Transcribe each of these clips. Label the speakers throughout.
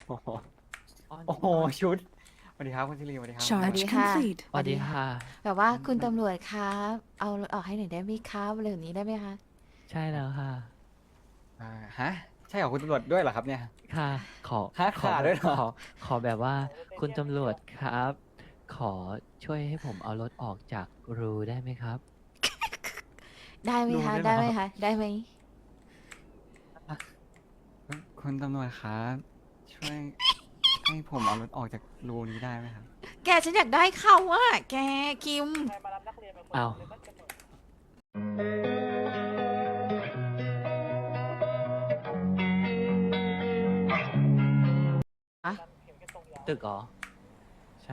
Speaker 1: โอ้โห
Speaker 2: อ้อน
Speaker 1: โอ้โหชุดสวัสดีครับคุณซิริสวัสดีครับ
Speaker 3: สวัสดี
Speaker 4: Charge
Speaker 3: ค่ะ
Speaker 4: complete.
Speaker 2: สวัสดีค่ะ
Speaker 3: แบบว่าคุณตำรวจครับเอารถออกให้หน่อยได้ไหมครับอะไรแบบนี้ได้ไหมคะ
Speaker 2: ใช่แล้วค่ะ
Speaker 1: อ่าฮะใช่เหรอคุณตำรวจด้วยเหรอครับเนี่ย
Speaker 2: ค่ะ ขอ
Speaker 1: ฮะ
Speaker 2: ขอ
Speaker 1: ขา
Speaker 2: แบ
Speaker 1: ด้ว
Speaker 2: บ
Speaker 1: ยเหรอ
Speaker 2: ขอแบบว่าคุณตำรวจครับ ขอช่วยให้ผมเอารถออกจากรูได้ไหมครับ
Speaker 3: ได้ไหม
Speaker 1: ดู
Speaker 3: คะ
Speaker 1: ได้เหรอ
Speaker 3: ได้ไหมคะได้ไหม
Speaker 1: คุณตำรวจครับช่วยให้ผมเอารถออกจากรูนี้ได้ไหมครับ
Speaker 3: แกฉันอยากได้เขาอะแกคิม
Speaker 2: เอา
Speaker 3: อะ
Speaker 2: ตึกเหรอ ใช่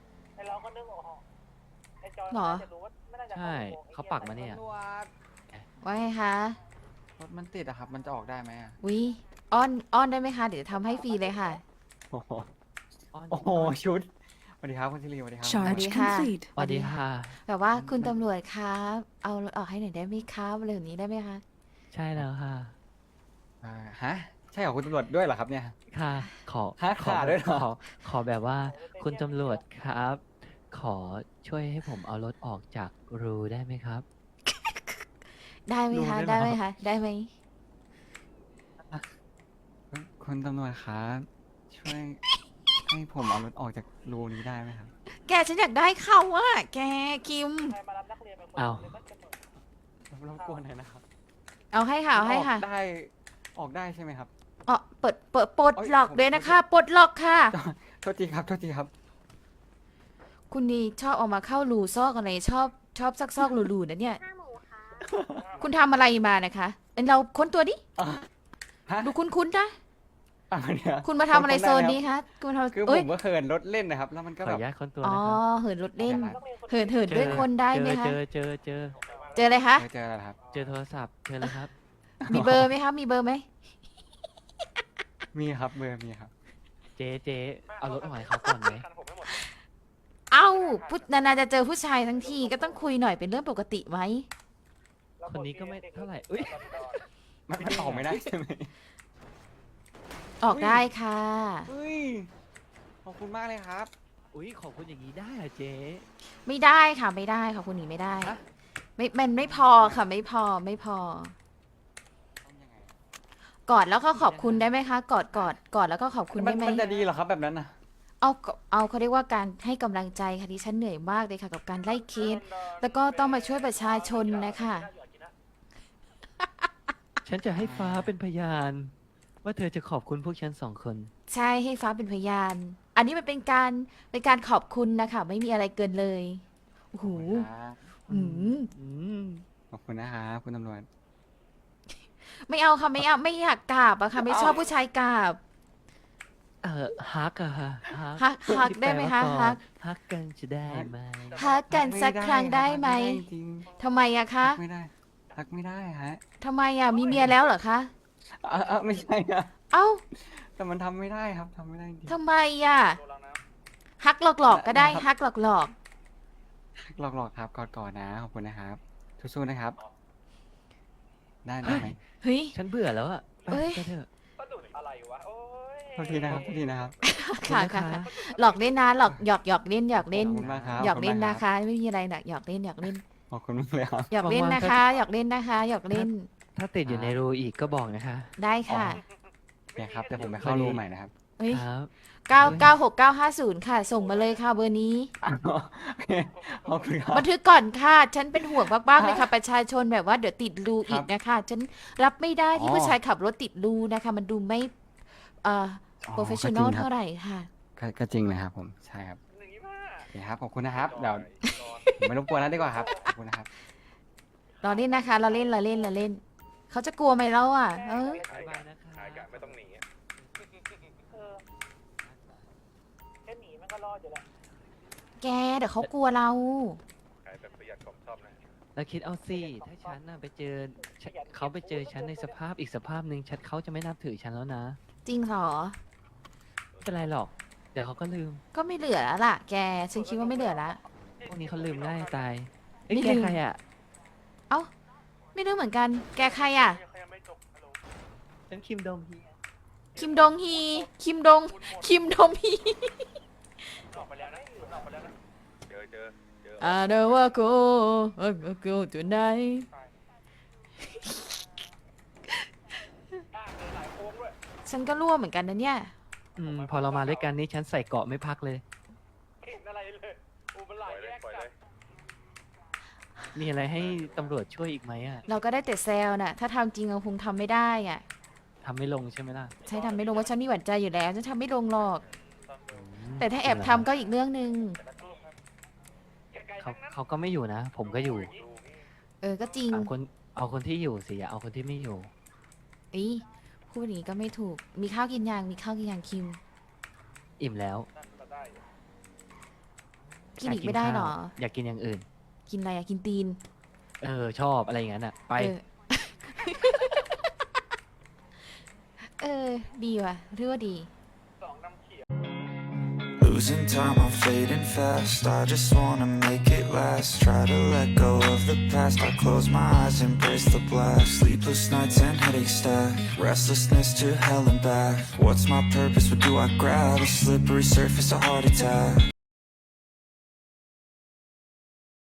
Speaker 3: หรอ
Speaker 2: ใช่ เขาปักมาเนี่ย
Speaker 3: ว่าไงคะ
Speaker 1: รถมันติดอะครับ มันจะออกได้ไหมอะ
Speaker 3: วิอ้อนได้ไหมคะเดี๋ยวทำให้ฟรีเลยค่ะ
Speaker 1: โอ้โห
Speaker 2: อ้อน
Speaker 1: โอ้โหชุดสวัสดีครับคุณซิริสวัสดีครับ
Speaker 4: Charge
Speaker 3: Charge
Speaker 4: complete.
Speaker 2: สวัสดีค่ะ
Speaker 3: แบบว่าคุณตำรวจครับเอารถออกให้หน่อยได้ไหมครับอะไรแบบนี้ได้ไหมคะ
Speaker 2: ใช่แล้วค่ะ
Speaker 1: อ่าฮะใช่เหรอคุณตำรวจด้วยเหรอครับเนี่ย
Speaker 2: ค่ะ ขอ
Speaker 1: ฮะ
Speaker 2: ขอ
Speaker 1: ขา
Speaker 2: แบ
Speaker 1: ด้ว
Speaker 2: บ
Speaker 1: ยเหรอ
Speaker 2: ขอแบบว่าคุณตำรวจครับ ขอช่วยให้ผมเอารถออกจากรูได้ไหมครับ
Speaker 3: ได้ไหมคะ
Speaker 1: ดูได้
Speaker 3: ได้
Speaker 1: เหรอ
Speaker 3: ไหมคะได้ไหม
Speaker 1: คุณตำรวจครับช่วยให้ผมเอารถออกจากรูนี้ได้ไหมครับ
Speaker 3: แกฉันอยากได้เขาอะแกคิม
Speaker 2: เอา
Speaker 1: รบกวนหน่อยนะครับ
Speaker 3: เอาให้ค่ะเอาให้ค่ะ
Speaker 1: ออกได้ใช่ไหมครับ
Speaker 3: อ๋อเปิดปลด
Speaker 1: เอ้ย
Speaker 3: ล็อก
Speaker 1: ผม
Speaker 3: เลยนะคะปลดล็อกค่ะ
Speaker 1: โทษทีครับโทษทีครับ
Speaker 3: คุณนี่ชอบออกมาเข้ารูซอกอะไรชอบซักซอกรูๆนะเนี่ย คุณทำอะไรมานะคะเอ้ยเราค้นตัวดิ
Speaker 1: ฮะ
Speaker 3: ดูคุ้นๆนะ
Speaker 1: เนี่ย
Speaker 3: คุณมาทำอะไรโซนนี้คะคุณมาทำ
Speaker 1: คือผ
Speaker 3: เอ้ย
Speaker 1: มก็เขินรถเล่นนะครับ แล้วมันก็
Speaker 2: ขอ
Speaker 1: แบ
Speaker 2: อบ นุญาตคนตัว
Speaker 3: อ๋อ
Speaker 2: นะครับ
Speaker 3: เหินรถเล่น เหิน
Speaker 2: เจอ
Speaker 3: ด้วยคนได้ไหมคะ
Speaker 2: เจอ
Speaker 3: เจออะไรคะ
Speaker 1: เจอแล้วครับ
Speaker 2: เจอโทรศัพท์เจอเลยครับ
Speaker 3: มีเบอร์ไหมคะมีเบอร์ไหม
Speaker 1: มีครับเบอร์มีครับ
Speaker 2: เจ๊เอารถออกให้เขาก่อนไหม
Speaker 3: เอ้าผู้นานๆจะเจอผู้ชายทั้งทีก็ต้องคุยหน่อยเป็นเรื่องปกติไหม
Speaker 2: คนนี้ก็ไม่เท่าไหร่อุ้ย
Speaker 1: มันออกไม่ได้ใช่ไหม
Speaker 3: ออกได้ค่ะ
Speaker 1: เฮ้ยขอบคุณมากเลยครับ
Speaker 2: อุ้ยขอบคุณอย่างนี้ได้เหรอเจ๊
Speaker 3: ไม่ได้ค่ะไม่ได้ค่ะคุณหนีไม่ได้
Speaker 2: ฮะ
Speaker 3: ไม่มันไม่พอค่ะไม่พอ
Speaker 1: ต้องยังไง
Speaker 3: กอดแล้วก็ขอบคุณได้ไหมคะกอดแล้วก็ขอบคุณได้ไหม
Speaker 1: มันจะดีเหรอครับแบบนั้นนะ
Speaker 3: เอาเขาเรียกว่าการให้กำลังใจค่ะดิฉันเหนื่อยมากเลยค่ะ กับการไล่เคสแล้วก็ต้องมาช่วยประชาชนนะคะ
Speaker 2: ฉันจะให้ฟ้าเป็นพยาน ว่าเธอจะขอบคุณพวกฉันสองคน
Speaker 3: ใช่ให้ฟ้าเป็นพยาน อันนี้มันเป็นการขอบคุณนะคะไม่มีอะไรเกินเลยโอ้โห
Speaker 1: ครับ
Speaker 3: หืม
Speaker 2: อืม
Speaker 1: ขอบคุณนะครับคุณตำรวจ
Speaker 3: ไม่เอาค่ะไม่เอาไม่อยากกราบอะค่ะไม่ชอบผู้ชายกราบ
Speaker 2: ฮักอะฮะ
Speaker 3: ฮักได้ไหมคะ
Speaker 2: ที่แปลว่า
Speaker 3: ฮัก
Speaker 2: ฮักกันจะได้ไหม
Speaker 3: ฮักกันสักครั้งได้ไหม
Speaker 1: ไม่ด้จริง
Speaker 3: ทำไมอะคะ
Speaker 1: ไม่ได้ทักไม่ได้ฮะ
Speaker 3: ทำไมอะมีเมียแล้วเหรอคะ
Speaker 1: ไม่ใช่นะ
Speaker 3: เอ้า
Speaker 1: แต่มันทำไม่ได้ครับทำไม่ได้จริง
Speaker 3: ทำไมอะฮักหลอกๆก็ได้ฮักหลอก
Speaker 1: หลอกๆครับกอดๆนะขอบคุณนะครับสู้ๆนะครับ ได้ไหม
Speaker 3: ๆเฮ้ย
Speaker 2: ฉันเบื่อแล้วอะไป
Speaker 3: เอ้ย
Speaker 2: ไปเถอะ
Speaker 1: โทษทีนะครับโทษทีนะครับ
Speaker 3: ค่ะ
Speaker 2: ขอบณ
Speaker 3: ค่ะ
Speaker 2: น
Speaker 3: ค่ะหลอกเล่นนะหลอกหยอกเล่นหยอกเล่น
Speaker 1: ขอบคุณมากครับ
Speaker 3: หยอกเล่น
Speaker 1: ขอบณ
Speaker 3: นะ
Speaker 1: มาก
Speaker 3: คะ ไม่มีอะไรนะหยอกเล่น
Speaker 1: ขอบคุณมากเลยครับ
Speaker 3: หยอกเล่นนะคะหยอกเล่นนะคะหยอกเล่น
Speaker 2: ถ้าติดอยู่ในรูอีกก็บอกนะคะ
Speaker 3: ได้ค่ะ
Speaker 1: เนี่ยครับแต่ผมไปเข้ารูใหม่นะครับ
Speaker 3: เฮ้ย
Speaker 2: ครับ
Speaker 3: 996950ค่ะ ส่งมาเลยค่ะเบอร์นี้
Speaker 1: ขอบคุณครับ
Speaker 3: บันทึกก่อนค่ะ ฉันเป็นห่วงมากๆเลยค่ะ ประชาชนแบบว่าเดี๋ยวติดรูอีกนะคะ ฉันรับไม่ได้ที่ผู้ชายขับรถติดรูนะคะ มันดูไม่professional เท่าไหร่ค่ะ
Speaker 1: ก็จริงเลยครับผมใช่ครับโอเคครับขอบคุณนะครับเดี๋ยวผมไม่รบกวนแล้วดีกว่าครับขอบคุณนะครับ
Speaker 3: เราเล่นนะคะ เราเล่น เขาจะกลัวไหมเราอ่ะ
Speaker 2: บ๊ายบายนะคะ
Speaker 5: ไม่ต้องหนีอะ
Speaker 6: แค่หนีมันก็รอดอยู่แล้ว
Speaker 3: แกเดี๋ยวเขากลัวเรา
Speaker 5: ขายแบบประหยัดของชอบนะ
Speaker 2: แล้วคิดเอาสิถ้าฉันน่ะไปเจอเขาไปเจอฉันในสภาพอีกสภาพหนึ่งฉันเขาจะไม่นับถือฉันแล้วนะ
Speaker 3: จริงเหรอ
Speaker 2: ไม่เป็นไรหรอก เดี๋ยวเขาก็ลืม
Speaker 3: ก็ไม่เหลือแล้วล่ะ แก ฉันคิดว่าไม่เหลือละ
Speaker 2: พวกนี้เขาลืมง่ายตายเอ้ย
Speaker 3: ไม่
Speaker 2: แก
Speaker 3: ลืม
Speaker 2: ใครอ่ะ
Speaker 3: เอ้า ไม่รู้เหมือนกัน แกใครอ่ะ
Speaker 6: เขายังไม่จบฮัลโหล
Speaker 2: ฉันคิมโดมเฮีย
Speaker 3: คิมดงฮี คิมดงฮี
Speaker 5: ออกไปแล้วนะออกไปแล้วนะเจอ
Speaker 3: I don't wanna go tonight
Speaker 6: หลายโค้งด้วย
Speaker 3: ฉันก็รั่วเหมือนกันนะเนี่ย
Speaker 2: พอเรามาด้วยกันนี่ฉันใส่เกราะไม่พักเลย
Speaker 6: เห็นอะไรเลยโอ้มันหลายแยก
Speaker 5: ปล่อย
Speaker 6: กั
Speaker 5: เล
Speaker 6: น
Speaker 5: ย
Speaker 2: มีอะไรให้ตำรวจช่วยอีกไหมอ่ะ
Speaker 3: เราก็ได้แต่แซวน่ะ ถ้าทำจริงเราคงทำไม่ได้อ่ะ
Speaker 2: ทำไม่ลงใช่ไหมล่ะ
Speaker 3: ใช่ทำไม่ลงว่าฉันมีหวั่นใจอยู่แล้วฉันทำไม่ลงหรอก แต่ถ้าแอบทำก็อีกเรื่องหนึ่ง
Speaker 2: เขาก็ไม่อยู่นะ ผมก็อยู่
Speaker 3: ก็จริง
Speaker 2: เอาคนที่อยู่สิอย่าเอาคนที่ไม่อยู่
Speaker 3: อีพูดอย่างนี้ก็ไม่ถูก มีข้าวกินยังคิม
Speaker 2: อิ่มแล้ว
Speaker 3: กินอีกไม่ได้หรอ
Speaker 2: อยากกินอย่างอื่น
Speaker 3: กินอะไรอะกินตีน
Speaker 2: ชอบอะไรอย่างนั้นอ่ะ ไป
Speaker 3: ดีว่ะเรียกว่าดี
Speaker 4: Losing time, I'm fading fast. I just wanna make it last. Try to let go of the past. I close my eyes, embrace the blast. Sleepless nights and headaches stack. Restlessness to hell and back. What's my purpose? What do I grab? A slippery surface, a heart attack.